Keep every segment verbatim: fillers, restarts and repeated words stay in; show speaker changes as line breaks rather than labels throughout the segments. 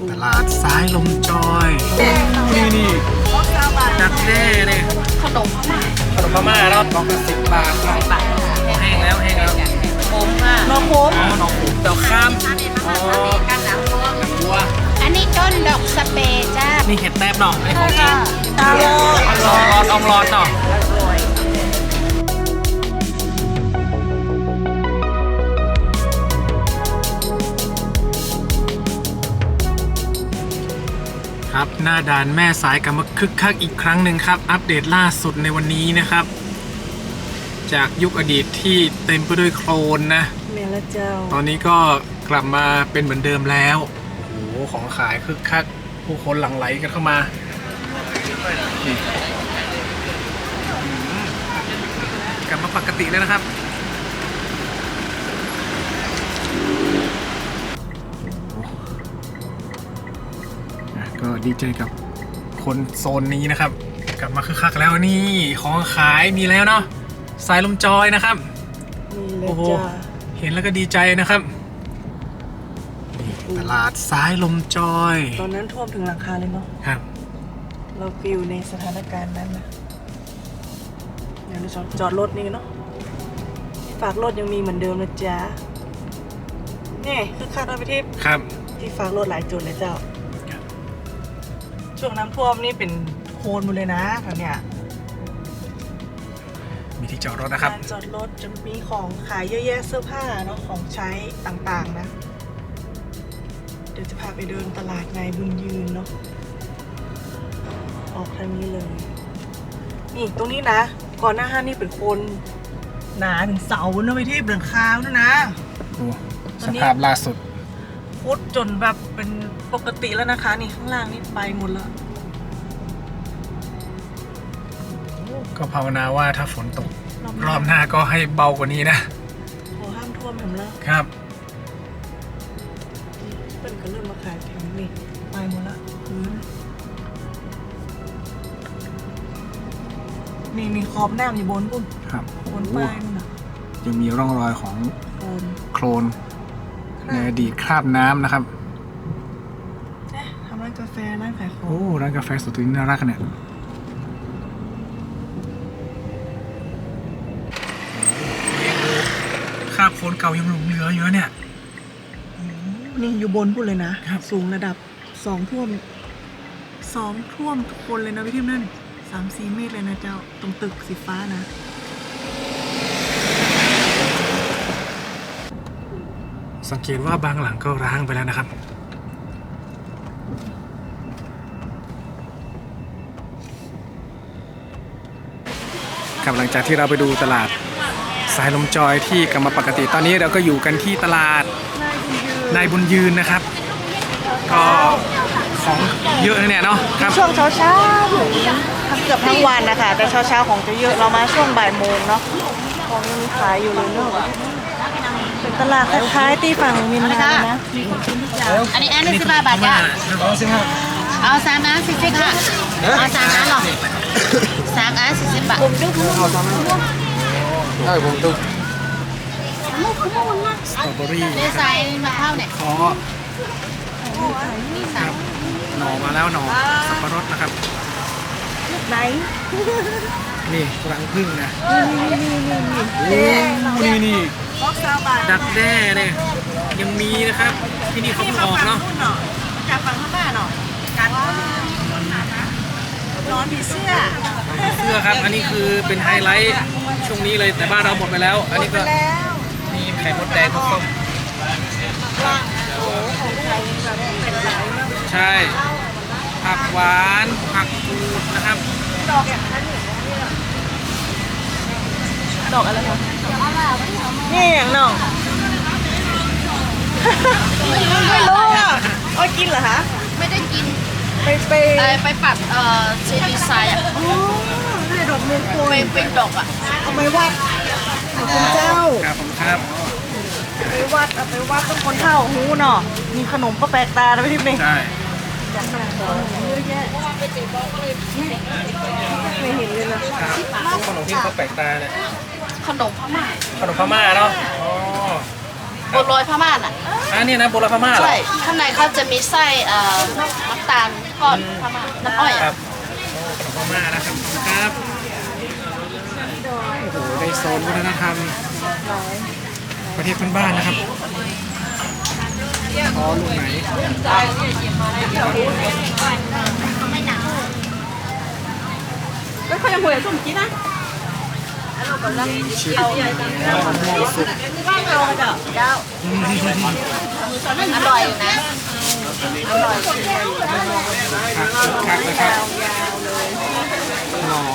ตลาดสายลมจอยนี่นี่ดักแด้เนี่ยขนมพม่าขนมพม่าแล้วกล่องละสิบบาทกล่องบาทแห้งแล้วแห้งแล้ว
ผมค่ะน้องโคม
น้องผมดอกข้ามอ๋อบัว
อันนี้ต้นดอกสเปรย์จ้า
นี่เห็ดแต้บเนาะไอ้ของกิน
ตาลอย
ร้อนร้อนอองร้อนเนาะครับหน้าด่านแม่สายกลับมาคึกคักอีกครั้งหนึ่งครับอัปเดตล่าสุดในวันนี้นะครับจากยุคอดีตที่เต็มไปด้วยโคลนนะ
เมลเจ้า
ตอนนี้ก็กลับมาเป็นเหมือนเดิมแล้วโอ้โหของขายคึกคักผู้คนหลั่งไหลกันเข้ามากลับมาปกติแล้วนะครับก็ดีใจกับคนโซนนี้นะครับกลับมาคึกคักแล้วนี่ของขายมีแล้วเนาะสายลมจอยนะครับโอ้โหเห็นแล้วก็ดีใจนะครับตลาดสายลมจอย
ตอนนั้นท่วมถึงหลังคาเลยเนาะ
ครับ
เราฟิลในสถานการณ์นั้นนะเดี๋ยวเราจอดรถนี่เนาะฝากรถยังมีเหมือนเดิมนะจ๊ะนี่คือคาดเอาไปที่
ครับ
ที่ฝากรถหลายจุดเลยเจ้าช่วงน้ำท่วมนี่เป็นโคลนหมดเลยนะแถวเนี้ย
มีที่จอดรถนะครับ
จอดรถจะมีของขายเยอะแยะเสื้อผ้าเนาะของใช้ต่างๆนะเดี๋ยวจะพาไปเดินตลาดนายบุญยืนเนาะออกทางนี้เลยนี่ตรงนี้นะก่อนหน้าห้างนี่เป็นโคลนหนาถึงเสาเนาะไปที่เบื้องคาวนะนะ
โอ้สภาพล่าสุด
พุดจนแบบเป็นปกติแล้วนะคะนี่ข้างล่างนี่ไปหมดแล้ว
ก็ภาวนาว่าถ้าฝนตกรอบหน้าก็ให้เบากว่านี้นะ
ขอห้ามท่วมผมแล้ว
ครับ
เป็นก็เริ่มมาขายแผงนี่ไปหมดละพื้นมีมีขอบน้ำอยู่บนปุ่น
ครับ
บนป้ายนู่นนะ
ยังมีร่องรอยของโคลนในอดีตคราบน้ำนะครับ
ทำร้านกาแฟร้านขายของ
โอ้ร้านกาแฟสุดที่น่ารักเนี่ยคราบโคลนเก่ายังหลงเหลืออยู่เนี่ย
นี่อยู่บนพูดเลยนะสูงระดับสองท่วมสองท่วมทุกคนเลยนะพี่ทิมนั่นสามสี่เมตรเลยนะเจ้าตรงตึกสีฟ้านะ
สังเกตว่าบางหลังก็ร้างไปแล้วนะครับครับหลังจากที่เราไปดูตลาดสายลมจอยที่กลับมาปกติตอนนี้เราก็อยู่กันที่ตลาดนายบุญยืนนะครับก็ของเยอะเนี่ยเนาะครับ
ช่วงเช้าเช้าทั้งเกือบทั้งวันนะคะแต่เช้าเช้าของจะเยอะเรามาช่วงบ่ายโมงเนาะของยังมีขายอยู่เลยเนาะเป็นตลาดคล้ายๆที่ฝั่งมินนานะ
อันนี้อันนี้สิบห้าบาทจ้ะเอาสามอันสี่สิบค่ะเอาสามอันหรอสามอันสี่สิบบาทผมดู
เอาสามอันได้ผมดูสตรอเบอรี่
ดีไซน์มาเข้าเนี่ย
ขอหน่อมาแล้วหน่อสับปะรดนะครับ
ไหน
นี่รังผึ้งนะนี่นี่นี่ดักแด้เนี่ยยังมีนะครับที่นี่เขาเพิ่งออกเนาะ
จากฝั่งข้างบ้านเนาะการร้อนผีเสื้อ
เสื้อครับอันนี้คือเป็นไฮไลท์ช่วงนี้เลยแต่บ้านเราหมดไปแล้วอันนี้ก็มีไข่มดแดงต้มใช่ผักหวานผักกูดนะครับ
ดอกอย่างนั้นดอกอะไรคะนี่อย่างน้องไม่รู้อ่ะเอากินเหรอคะ
ไม่ได้กิน
ไปไป
ไปปัดเอ่อเซดีไซน์อ่ะ
อ๋อนี่ดอกมงคล
เป็นเป็นดอกอ่ะ
เอาไปวัดคุณเจ้า
ครับผมครับ
ไปวัดเอาไปวัดต้องคนเท่าหูเนาะมีขนมก็แปลกตาด้วยที่นี่
ใช่
เยอะแยะไม่เห็นเลยนะ
ขนมที่เขาแปลกตาเนี่ย
ขนมพม่า
ขนมพม่าเนาะอ๋อ
บัวลอยพม่าน่ะ
อันนี้นะโบราณพม่าเหรอ
ใช่ข้างในเขาจะมีไส้เอ่อน้ำตาลทอดพม่าน้ำอ้อย
ครั
อ่ะ
บโอ้ขนมพม่านะครับครับโอ้โหในโซนวัฒนธรรมประเทศเพื่อนบ้านนะครับอ๋อลูกไหนชิปมะม่วงสุก
อร่อยอยู่นะอร่อย
คักนะครับหน่อย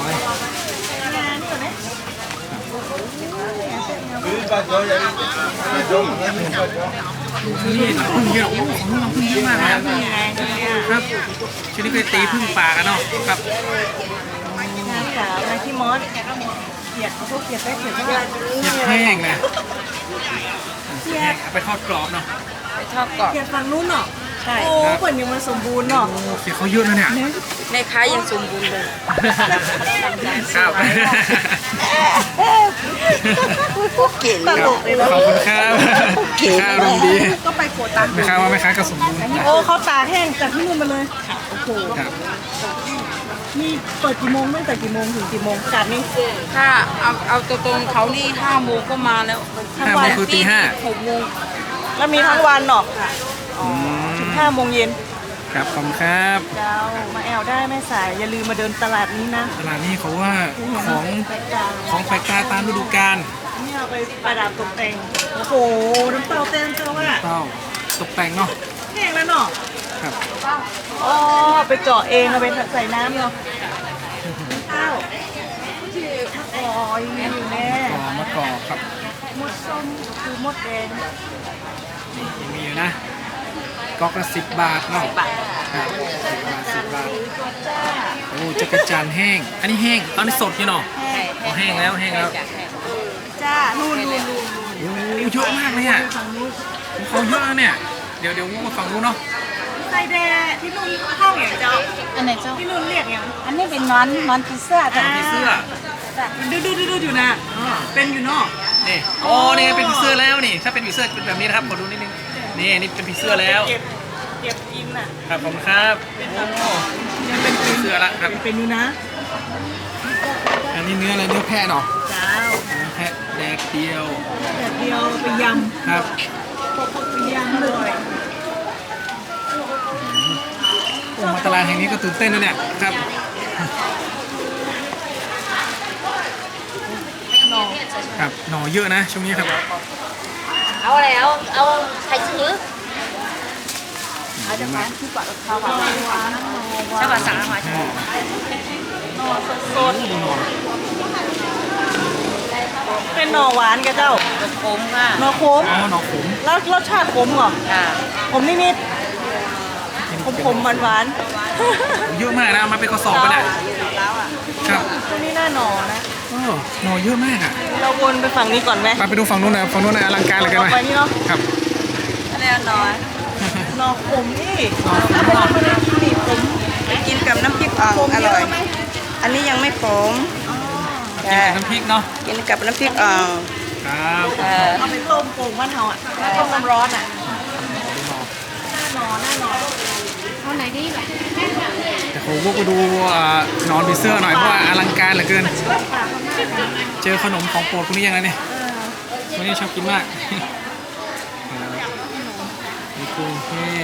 นี่น้ำผึ้งเยอะโอ้โหของน้ำผึ้งเยอะมากนะครับชนิดเคยตีพึ่งป่ากันเนาะครับ
งานสาวนะที่มอสเขียดพวกเขียดได้เขียดได้
เขียดแห้งนะเขียดแห้งเอาไปทอดกรอบเนาะ
ไปชอบกรอบ
เขียดฝั่งนู้นเนาะใช่โอ้เปิดยังมันสมบูรณ์เนาะ
โอ้เขียดเขาเยอะนะเนี่ย
แม่ค้ายังสมบูรณ์เลย
ครับ
เก่ง
ตลกเลยนะ
ขอบคุณครับค่าอารมณ์ดี
ก็ไปโขดตัง
แม่ค้าว่าแม่ค้าก็สมบูรณ์นะ
โอ้เขาตากแห้งจากที่นู่นมาเลยโอ้โห
ครับ
นี่เปิดกี่โมงตั้งแต่กี่โมงถึงกี่โมงกาดนี่
ถ้าเอาเอาตรงๆเขานี่ห้าโมงก็มาแล้ว
ทั้ง
ห้าโม
วั
ง
น
คือตีห้า
หกโมง
แล้วมีทั้งวันเนาะ
อืม
ถึงห้าโมงเย็น
ครับขอบคุณครับ
เจ้ามาแอลได้แม่สายอย่าลืมมาเดินตลาดนี้นะ
ตลาดนี้เขาว่าของ
แปลกตา
ของแปลกตาตามฤดูกาล
นี่เอาไปประดับตกแต่งโอ้โหน้ำเต้าเต้นเจ้าว่า
เต้าตกแต่งเนาะ
แห้งแล้วเนาะ
ครับ
อ๋อไปเจาะเองเอาไปใส่น้ำเนาะข้าวอ๋อยังอยู่แน่
กอมะกอกครับ
มดส้มคือมดแดง
นี่ยังมีอยู่นะกอกละสิบบาทเนาะครับสิบบาทสิบบาทโอ้จักรจันทร์แห้ง อันนี้แห้งตอนนี้สดอยู่เนาะอ๋อแห้งแล้วแห้งแล้ว
จ้านู่นนู่นนู่น
โอ้เยอะมากเลยอ่ะเขาเยอะนะเนี่ยเดี๋ยวเดี๋ยวมาฝั่งนู้นเนาะ
ไส้แดงที่นู่นเข้าอย่างเจ้า
อันไหนเจ้า
ที่นู่นเรียกอย่าง
อันนี้เป็นนอนนอนพิซซ่าจ้ะ
ผีเสื้อ
ดูดูดูดูอยู่นะเป็นอยู่เนาะ
นี่โอ้นี่เป็นผีเสื้อแล้วนี่ถ้าเป็นผีเสื้อจะเป็นแบบนี้นะครับขอดูนิดนึงนี่นี่เป็นผีเสื้อแล้ว
เก็บเก็บกินน่ะ
ครับผมครับโอ้ยังเป็นผีเสื้อละครับ
เป็นอยู่นะ
อันนี้เนื้ออะไรเนื้อแพะเนาะ
เจ้า
เนื้อแพะแดกเดียว
แบบเดียวไปย
ครับ
ำไปยำเลย
โอ้มาตลาดแห่งนี้ก็ตื่นเต้นนะเนี่ยครับ
หน่อ
ครับหน่อเยอะนะช่วงนี้ครับ
เอาอะไรเอาเอาไข่ชื้อ
เยอะมาก
ข้าวผัดข้าวผัดสั่งมา
อ๋อ
หน่อสดๆเป็นหน่อหวานกับเจ้า
ขมค่ะ
หน่อขม
อ๋อหน่อขม
แล้วรสชาติขมเหรอ
ค่ะ
ขมนิดๆขมขมหวานหวาน
เยอะมากนะเอามาเป็นกระสอบกันอ่ะครับ
ๆตัวนี้น่าหน่อนะ
โอ้หน่อเยอะมากอ่ะ
เราวนไปฝั่งนี้ก่อนไหม
มาไปดูฝั่งนู้นนะฝั่งนู้นนะอลังการเหลยกัน
อ
ไห
อ
ม
กไปนี่เนาะ
ครับ
อะไรอ่ะหน่อหน่อขมนี่
หน่อขม
ถ้าเป็นคนที่นี่ขม
กินกับน้ำพริกอ่อง
ขม
อ
เย
ร่อย
อะไหม
อันนี้ยังไม่ขม
กินกับน้ำพริกเนาะ
กินกับน้ำพริกอ่อง
ครับ
เออ
เอาไปต้มโป่งบ้านเฮาอ่ะต้มน้ำร้อนอ่ะ
ดูหน่อ
หน่อหน้าหน่อ
เอาไหนดีแบบ
แต่ผมพวกก็ดูอ่านอนผีเสื้อหน่อยเพราะว่าอลังการเหลือเกิน เจอขนมของโปรดคนนี้ยังไงเนี่ยคนนี้ชอบกินมากมีกุ้งแห้ง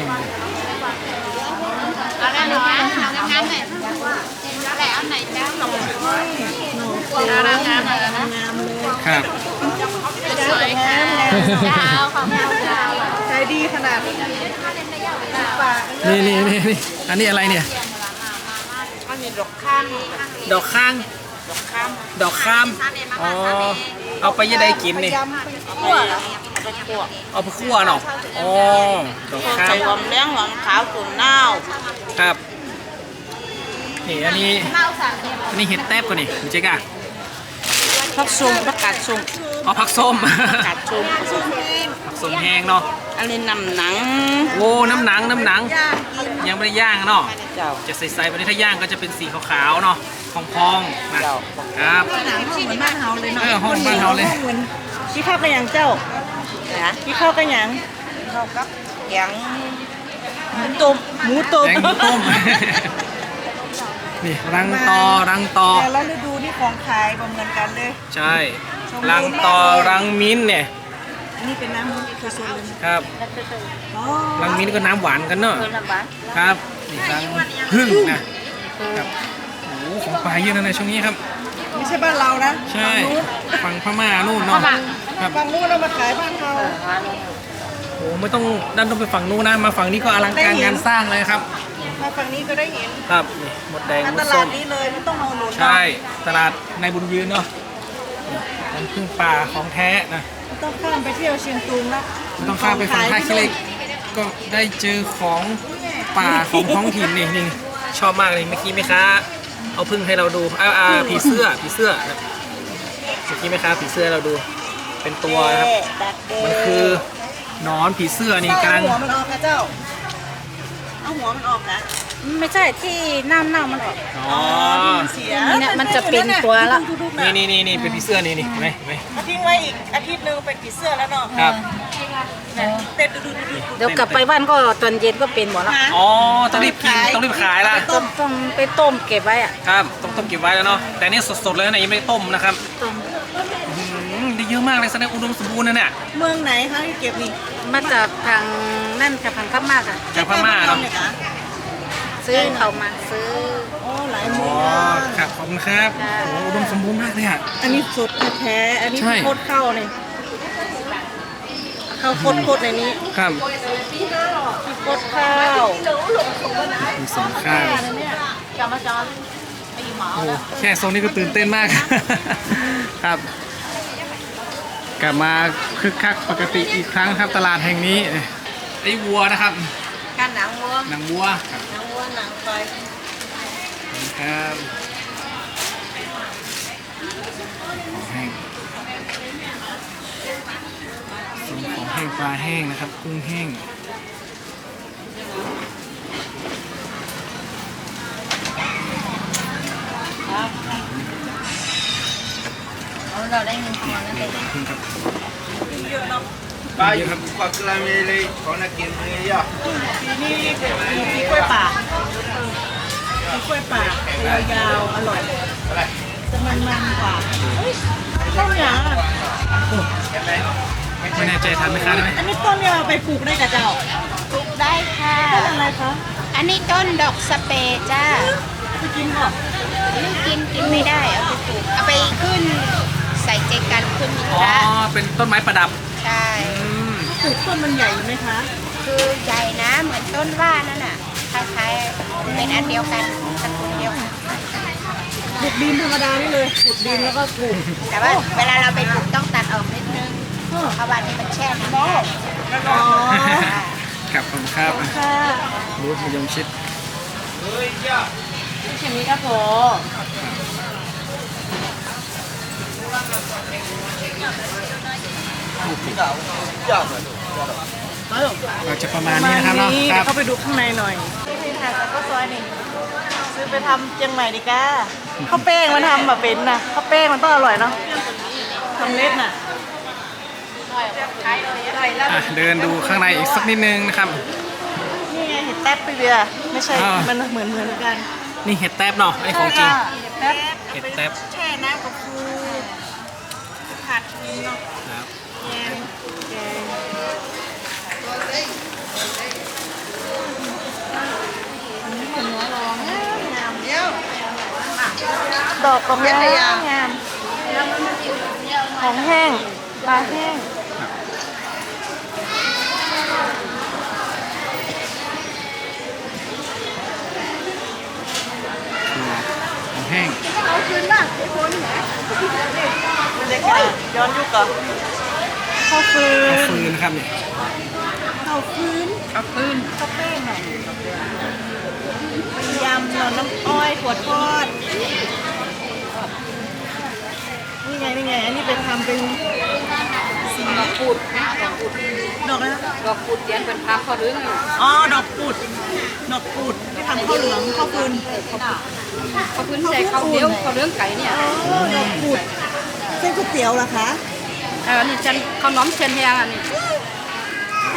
เอาได้เลยค่ะเอางามๆหน่อยเอาไหนเอาไหนจ้าหน่อเอางามๆหน่อยนะ
งามเลย
ครับ
สวยค่ะเจ้าของเราเจ้า
ใจดีขนาดนี้ปาก
นี่นี่นี่นี่อันนี้อะไรเนี่ย
อันนี้ดอกข้าม
ดอกข้าง
ดอกข้าม
ดอกข้ามอ๋อเอาไปยังไงกินนี่
ยำไปคั่วเหรอ
ดอกขัว
เอาไปคั่วเนาะอ๋อดอกข้า
ใส่
ม
หอมแดงหอมขาวตุ๋นเน่า
ครับนี่อันนี้อันนี้เห็ดแทบก่อนนี่คุณเจ๊กอะ
ผักส้มผักกาดส้ม
อ๋อผักส้ม
ผักกาดส้ม
ผักส้มแห้งเนาะ
อันนี้น้ำหนัง
โอ้น้ำหนังน้ำหนังยังไม่ได้ย่างเนาะ
เจ้า
จะใสๆไปนี้ถ้าย่างก็จะเป็นสีขาวๆเนาะพองๆนะครับ
หนังห้องเหมือนบ้านเฮาเลยเนาะ
เออห้องบ้านเฮาเลย
ห้องเหมือนที่ข้าวกระยังเจ้า
ก
นะ
กินข้าวกันหยัง
เข้ากับแกง
หมูต้มหมูต้ม
แกงหมูต้ม นี่รังตอรังตอ
แต่ละฤดูนี่ของขายบ่เหมือนกันเลย
ใช่รังตอรังมิ้นท์เนี่ย
อันนี้เป็นน้ำมันคือโซนเลย
ครับ
อ๋อ
รังมิ้นท์ก็น้ำหวานกันเนาะ
เออลำบาก
ครับนี่รังพึ่งนะครับโอ้โหของปลาเยอะนะในช่วงนี้ครับ
ไม่ใช่บ้านเรานะ
ใช่ฝั่งพม่านู่นเนาะครับ
ฝั่งนู้นเรามาขายบ้านเรา
เออฮะ
โอ้ไม่ต้องดันต้องไปฝั่งนู้นนะมาฝั่งนี้ก็อลังการงานสร้างเลยครับ
มาฝั่งนี้ก็ได้เห็น
ครับนี่หมดแดง
มา
หม
ต
ด
ลา
ส้
ด
ม
นี้เลยไม่ต้องเอาหนุน
ใช่ตลาดในบุญยืนเนาะน้ำพึ่งป่าของแท้นะ
ไม่ต้องข้ามไปเที่ยวเชียงตุงละ
ไม่ต้องข้ามไปฝั่งท่าขี้เหล็กก็ได้เจอของป่าของท้องถิ่นนี่นี่ชอบมากเลยเมื่อกี้แม่ค้าเอาพึ่งให้เราดูอ่าอ่าผีเสื้อผีเสื้อนะเมื่อกี้แม่ค้าผีเสื้อให้เราดูเป็นตัวนะครับมันคือหนอนผีเสื้อนี่กำลัง
เอาหัวมันออกนะเจ้าเอาหัวมันออกนะ
ไม่ใช่ที่น้ำเน่ามันออก
อ๋อ
ที่มันเสีย
เนี่ยมันจะเป็นตัวละ
นี่นี่นี่นี่เป็นผีเสื้อนี่นี่เห็นไหมเห็นไหม
มาทิ้งไว้อีกอาทิตย์หนึงเป็นผีเสื้อแล้วเนาะ
ครับ
เต็มดูดูดูดู
เดี๋ยวกลับไปบ้านก็ตอนเย็นก็เป็นหมดแล้ว
หา
อ๋อต้องรีบกินต้องรีบขายละ
ต้องต้องไปต้มเก็บไว้อะ
ครับต้องต้มเก็บไว้แล้วเนาะแต่นี่สดๆเลยนะยังไม่ได้ต้มนะครับ
ต้ม
อืมได้เยอะมากเลยแสดงอุดมสมบูรณ์นะเนี่ย
เมืองไหนคะที่เก็บนี่
มาจากทางนั่นกับทางข้ามมากอะ
จากพม่าเนาะ
เนี่ยคะ
ซื้อเขามาซื้อ
โอ้หลาย
อ๋
เมื
อ
อง
ครับขอบคุณครับ
ค่ะ
โอ้อุดมสมบูรณ์มากเลยอ่ะ
อันนี้สดแท้ๆอันนี้
ใช่
โคตรเข้าเนี่ยเข้าโคตรโคตรในนี้
ครับ
โคตรข้าว
มีสองข้าว
กลับมาจอนไปหมอ
โอ้แค่โซนนี้ก็ตื่นเต้นมาก ครับ กลับมาคึกคักปกติอีกครั้งครับตลาดแห่งนี้ไอ้วัวนะครับ
การหนังวัว
หนังวัวครับ
หนังวัวหนังควาย
ขอบคุณครับของแห้งส่วนของแห้งปลาแห้งนะครับกุ้งแห้ง
เราได้เงินทอนนั่นเอง
ขอบคุณครับ
เยอะเนาะ
เยอะครับ
Pak kelamile kona kini ya.
ปีนี้มีกล้วยป่ามีกล้วยป่ายาวๆอร่อยจะมันๆกว่าต้นยางอะ
ไม่แน่ใจทานไหมครับได้ไหม
อันนี้ต้นเนี่ยเอาไปปลูกได้กับเจ้า
ปลูกได้ค่ะ
ต้นอะไรคะ
อันนี้ต้นดอกสเปรย์จ้า
ไปกินก่อน
ไม่กินกินไม่ได้เอาไปปลูกเอาไปขึ้นใส่เจกันขึ้นมี
อ๋อ
พระ
เป็นต้นไม้ประดับ
ใช่
อืม
ปลูกต้นมันใหญ่ไหมคะ
คือใหญ่นะเหมือนต้นว่านั่นน่ะคล้ายๆเป็นอันเดียวกันตระกูลเดียวกัน
ปลูกดินธรรมดานี่เลยปลูกดินแล้วก็ปลูก
แต่ว่าเวลาเราไปปลูกต้องตัดออกนิดนึงเพราะว่านี่มันแช่น้ำได้
อ๋อ
ครับผมครับ
ค่ะ
บูธมะยงชิด
เข็มนี้ก็พอ
เราจะประมาณนี้นะครับเนาะครับ
เข้าไปดูข้างในหน่อยนี่ค่ะแล้วก็ซอยหนึ่งซื้อไปทำเจียงใหม่ดีก้าข้าวแป้งมันทำแบบเป็นนะข้าวแป้งมันต้องอร่อยเนาะทำเล็ดน่ะ
อ่ะเดินดูข้างในอีกสักนิดนึงนะครับ
นี่ไงเห็ดแต๊บไปเบียร์ไม่ใช่
อ่ามั
มันเหมือนเหมือนกัน
นี่เห็ดแทบเนาะไอ้ของจริง
เห็ดแต๊บ
เห็ดแต๊บ
แช่น้ำกับฟูผัดนี่เนาะ
ครับ
แกงแกงดอกกระเมียงามของแห้งปลาแห้ง
ของแห้ง
เด็กๆย้อนยุคก่อนข้าวฟื
ข้าวน ฟืนนะครับเนี่ย
ข้าวฟืน
ข้าวฟืน
ข้าวแป้งหน่อยยำเราน้ำอ้อยถั่วทอดนี่ไงนี่ไงอันนี้เป็นทำเป็นสีดอกปุดดอกอะไรนะ
ดอกกุดเดียนเป็นพักเขาหรือไง
อ๋อดอกปุดดอกปุดที่ทำข้าวเหลืองข้าวฟืน
เขาพื้นใส่เขาเดียวเขาเรื่องไก่เนี่ย
อ๋อดอกปุดเส้นก๋วยเตี๋ยวเหรอคะ
เออนี่ฉันเขาน้อมเชนแยงอันนี้
อืม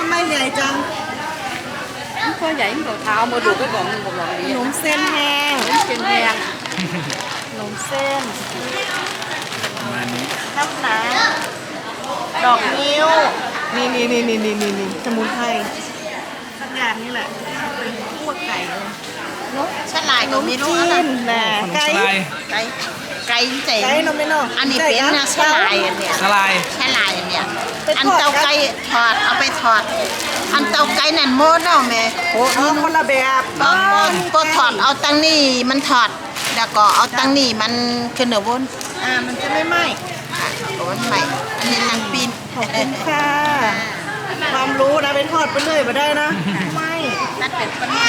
ไมเหนื่อยจัง
có vậy đồ thao mua được cái gọn một gọn
ข
đi
นมเส้นแห้ง
trên đen
ขนมเส้น
ประมาณนี้
ข้าวหนาดอกนิ้ว นี่นี่นี่นี่นี่นี่นี่สมุนไพรสักอย่างนี่แหละเป็นพวกไก่เลย
ฉลายก็มีรู้
จี
นะ
นนะ
ขนม
ไก่
สลาย
ไก่ไก่เจ๋ง
ไก่นมไม่นอก
อันนี้เป็นนะฉลายอันเนี้ย
สลาย
ฉลายอันเนี้ยอันเตาไก่ถอดเอาไปถอด อันเตาไก่นั่นโมดเนาะแม่โอ้
อ๋อคนละแบบ
ก็ก็ถอดเอาตังนี่มันถอดแล้วก็เอาตังนี่มันขึ้นเหนือบน
อ่ามันจะไม่ไหม้
ค่ะโอนใหม่อันนี้ทางปีน
ขอบคุณค่ะความรู้นะไปทอดไปเรื่อยมาได้นะไม่
นั่นเป็นปัญหา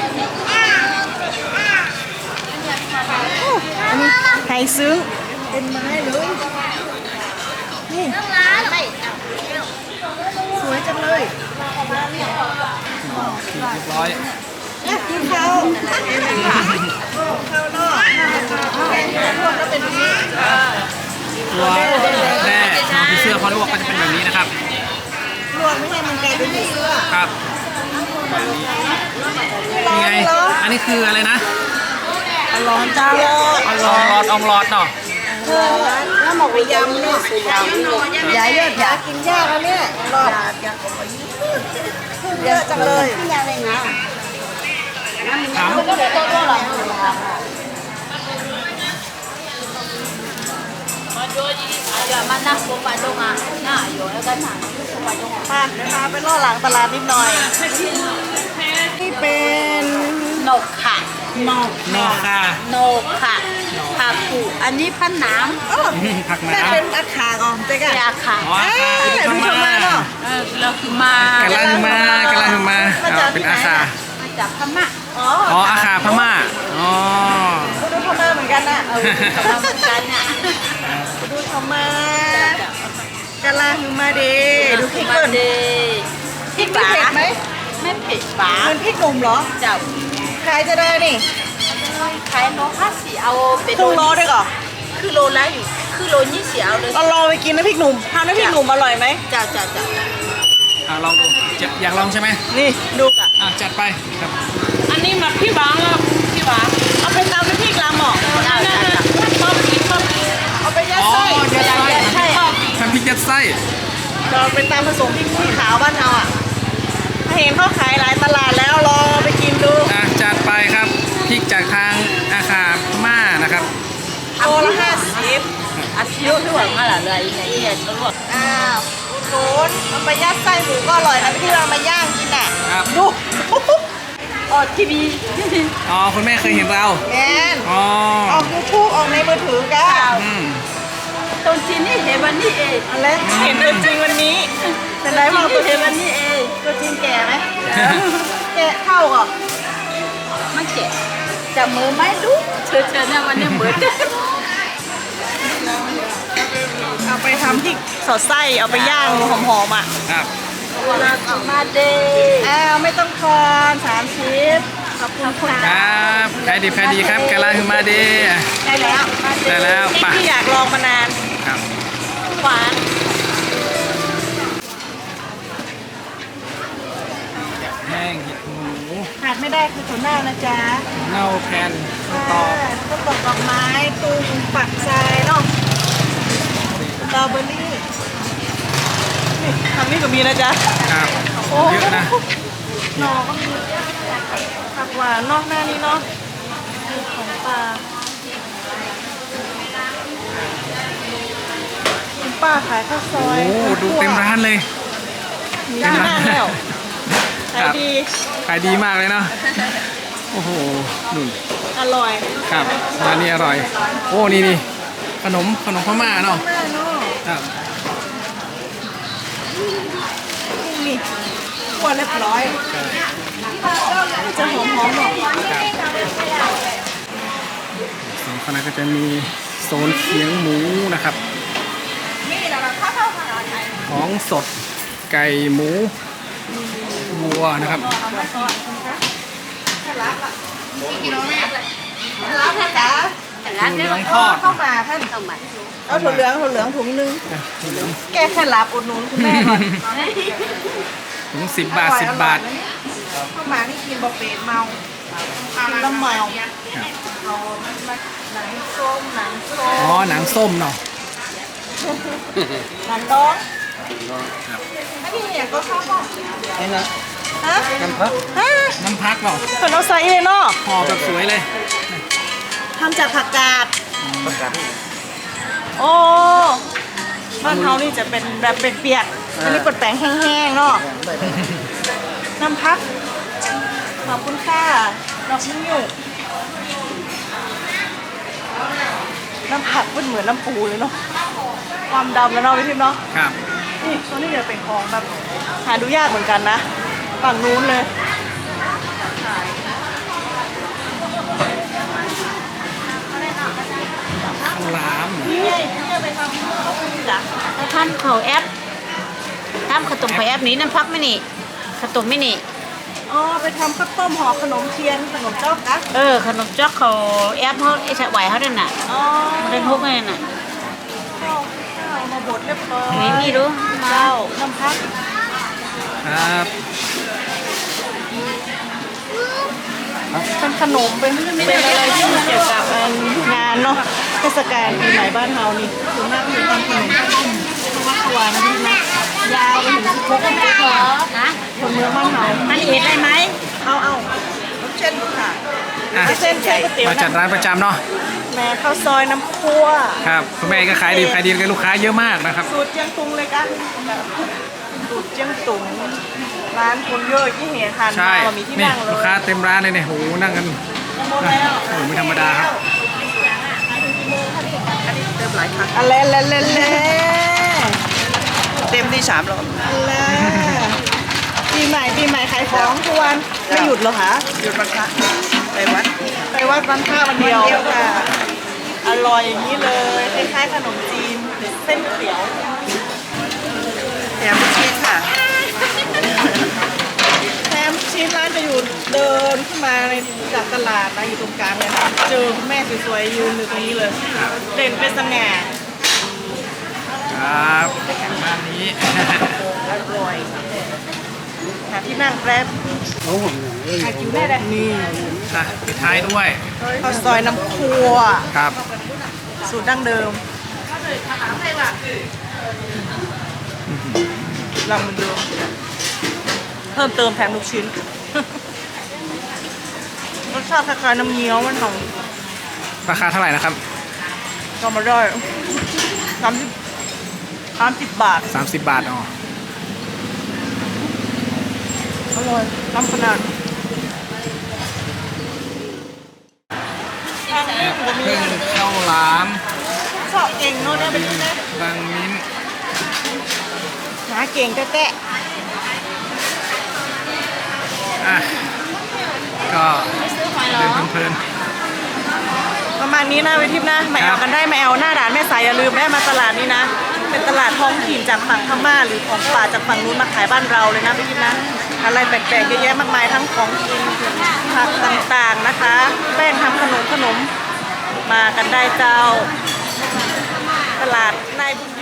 อันนี้ไข่ซึ้งเป็นไม้เลยนี่
ไม่
สวยจังเลย
เรียบร้อย
อยากกินข้าวข้าวนอกพวกก็เป็นแบบนี้
ตัวแร่ทองผีเสื้อพอลวกก็จะเป็นแบบนี้นะครับ
ลวกไม่ให้มันกลายเป็นผีเสื้อ
ครับแบบนี้นี่ไงอันนี้คืออะไรนะ
ร้อนจ้า
อองลอดอองลอดเนาะ
แล้วหมกไปยำเนี่ยใหญ่เลือดอยากกินยากแล้วเนี่ยรอบเยอะจังเลย
ถาม
mana sopa dong ah nah yo kan nah sopa dong
มาเดี๋ยวพาไปล่อหลังตลาดนิดหน่อย นี่เป็น
นกค่ะ
นอก
นอกค่ะ
นกค่ะผักผูอันนี้พันน้
เออ
ผัก
แม่
น้ำ
เป็นอาขาก่อนเจ๊กัน
ำยาค่ะ
อ๋อค่ะ
เอ้ย
ดู
ดู
ทำ
ชม
มา
มาเนาะ
เออเราคือมาก
ำลังมากำลังมาเอาเป็นอาคา
มาจากพม่า
อ๋อ
อ๋ออาคาพม่าอ๋อ
ดูชมมาเหมือนกันนะ
เออกับเราเหมือนกันเนี่ย
ดูชมมากะลาฮือมาเดดูพริก
มา
เปิ้ล
เด
พริกนี่เผ็ดไหม
ไม่เผ็ดปา
มันพริกหนุ่มเหรอ
เจ้า
ขายจะได้นี่
ขายโลห้าสิเอาเป็น
ครึ่งโลได้ก่อน
คือโลละอยู่คือโลยี่สิบเอาเลย
เราลองไปกินน้ำพริกหนุ่มทำน้ำพริกหนุ่มอร่อยไหม
เจ้าเจ้าเจ้า
อ่ะลองดูจะอยากลองใช่ไหม
นี่ดูก่ะ
อ่ะจัดไปครับ
อันนี้มาพี่บางอ่ะพี่บาง
เอาไปตำน้ำพริกลำหมอก
เจ้าเจ้าเจ้า
ชอบกินชอบ
เอาไปยัด
อ๋อ
ไส้
ยัดไส้
ใช่
ชอบกิน
ทำพริกยัดไส้
เราไปตำผสมพริกขี้ขาวบ้านเราอ่ะเห็นเขาขายหลายตลาดแล้วลองไปกินดู
อ่ะจัดไปครับพริกจากทางอาคาพม่านะครับ
โลละห้าสิบ
อาชีพที่หวังอะไรเลยเนี่ยตำรวจ
อ้าวอุดหนุนเอาไปยัดไส้หมูก็อร่อยนะที่เรามาย่างกินอ่ะ
ครับ
ดู
ออทีวี
อ๋อคุณแม่เคยเห็นเรา
แอน
อ๋อ
ออกยูทูบออกในมือถือกัน
อืม
ตรงที่นี่เห็นวันนี้เอง
อะไรเห็นตัวจริงวันนี้เป็นไรบ้างตัวจ
เห็
ริ
น
ง
วันนี้เอง
ตัวจริงแก่ไหมแก่เท่าก่อน
มันเจ็บจับมือไม่รู้เธอเธอเนี่ยวันนี้เหมือน
เอาไปทำพริกสอดไส้เอาไปย่างหอมๆอ่ะ
ครับ
วันละกลับมาเดย์
อ้าวไม่ต้องทอนสามสิบขอบคุณค่ะ
ครับขายดีขายดีครับกะลาฮือมาเด
ได้แล้ว
ได้แล้ว
พริก
ไป
ที่อยากลองมานาน
ครับ
หวาน
แห้งเห็ดหมู
ขาดไม่ได้คือถั่วเน่านะจ๊ะ
เน่าแผ่นตอก
ต้นตอกดอกไม้ตุงปักทรายเนาะสตรอเบอรี่นี่ทำนี่ก็มีนะจ๊ะ
ครับ
โอ้
เยอะนะ
หน่อก็มีผักหวานนอกหน้านี้เนาะของปลาคุณป้าขายข้าวซอย
โอ้ดูเต็มร้านเลย
หน้าห้างแล้ว
ค
ขาย
รับ
ดี
ขายดีมากเลยเนาะโอ้โหนุ่น
อร่อย
ครับร้านนี้อร่อย โอ้นี่นี่ขนมขนมพม่าเนาะ
มากเนาะ
ครับ
นี่ขวดเรียบร้อยจะหอมหอมๆหน่อย
สองคณะก็จะมีโซนเคียงหมูนะครับ ของสดไก่หมูวัวนะครับ
แล้วค่ะจ๊ะ
ถั่วเหลืองทอด
เข้ามาท่าน
ต้องมา
เอาถั่วเหลืองถั่วเหลืองถุงนึง
ถั่วเหลือง
แก้แค่หลับอุดหนุนคุณแม่ก่อน
ถุงสิบบาทสิบบาท
เข้ามานี่กินบะเป็ดเมากินแล้วเมา
ครับ
เอาหนังส้มหนังส้ม
อ๋อหนังส้มเนาะ
หนังน้อง
ครับ
อันนี้อย่างก็ชอบบอก
นี่นะ
ฮะ
น้ำพัก
ฮะ
น้ำพักเปล่า
ขนมไซเลยเนาะ
ห่อแบบสวยเลย
ทำจากผักกาด
ประกาศ
โอ้บ้านเขานี่จะเป็นแบบเป็นเปียกๆอันนี้เป็นแป้งแห้งๆเนาะน้ำพักขอบคุณค่ะดอกนิ้วน้ำผักมันเหมือนน้ำปูเลยเนาะความดำแล้วเนาะพี่ทิพย์เนาะ
ครับ
นี่ตัวนี้จะเป็นของแบบหาดูยากเหมือนกันนะฝั่งนู้นเลย
ข้าวหลาม
นี่ไงที่จะไปทำข้าวต้มจ้ะ
ถ้าทำเขาแอปทำขนมเขาแอปนี้น้ำพักไม่นี่ขนมไม่นี่
อ๋อไปทำข้าวต้มห่อขนมเทียนขนมจ๊อกนะ
เออขนมจ๊อกเขาแอปเขาไอ้ฉะไหวเขาด้วยน่ะ
อ๋อ
มันเป็นทุกข์เลยน่ะ
ข้าวข้าวมาบดเรียบร้อย
นี่นี่ดู
เจ้าน้ำพัก
ครับ
เป็นขนมเป็นเป็นอะไรที่เกี่ยวกับงานเนาะเทศกาลปีใหม่บ้านเฮานี่ส่วนมากคือทำขนมต้มเพราะว่าขวานนะพี่นะยาวไปถึงสิบหกปีค่ะ
นะ
คนเมืองบ้านเฮา
มันเห็นได้ไหม
เอาเอาเช่นค่ะ
อ่ะ
เส้นเส้นก๋วยเตี๋ยว
มาจัด
นะ
ร้านประจำเนาะ
แม่ข้าวซอยน้ำคั่ว
ครับคุณแม่ก็ขายดีขายดีกับลูกค้าเยอะมากนะครับ
สูตรเจียงตุงเลยกันสูตรเจียงตุงร้านคนเยอะที่เห็นทาน
ใช่
มามีที่
นี่
นั่งเลย
ลูกค้าเต็มร้านเลยเนี่ยโหนั่งกัน
หมดแล้ว
โอ้โหไม่ธรรมดาครับ
เติมหลายครั้งอะไรเล่เล่เล่เต็มที่สามรอบอะไรปีใหม่ปีใหม่ขายของทุกวันไม่หยุดเหรอคะหยุดวันพระไปวัดไปวัดวันพระวันเดียวค่ะอร่อยอย่างนี้เลยคล้ายๆขนมจีนเส้นก๋วยเตี๋ยวแถมชีสค่ะแถมชีสร้านจะอยู่เดินขึ้นมาในจากตลาดนะอยู่ตรงกลางเลยนะเจอคุณแม่สวยๆยืนอยู่ตรงนี้เลยเด่นเป็นสง่า
ครับบ้านนี้
อร่อยหาที่นั่งแป๊บหาคิวได้เลยนี่
อ่ะปิดท้ายด้วย
ข้าวซอยน้ำครัว
ครับ
สูตรดั้งเดิมลองมันดูเพิ่มเติมแถมลูกชิ้น รสชาติคล้ายๆน้ำเงี้ยวมันหอม
ราคาเท่าไหร่นะครับ
ก็มาได้สามสิบสามสิบบาท
สามสิบบาทอ๋อ
อร่อยล้ำขนาดทางนี้ผมมี
เพิ่งข้าวหลาม
ชอบเก่งเนาะเนี่ยเป็นไง
บางมิ้น
หาเก่งแต๊ะ
อ่ะก็
ซื้อหอยหร
เดิ
อน
เพลิน
ๆประมาณนี้นะเวทิพย์นะมาแอลกันได้มาแอลหน้าด่านแม่สายอย่าลืมแม่มาตลาดนี้นะ เป็นตลาดท้องถิ่นจากฝั่งพม่าหรือของป่าจากฝั่งนู้นมาขายบ้านเราเลยนะเวทิพย์นะอะไรแปลกๆเยอะแยะมากมายทั้งของกินผักต่างๆนะคะแป้งทำขนมขนมมากันได้เจ้า ตลาดนายบุญ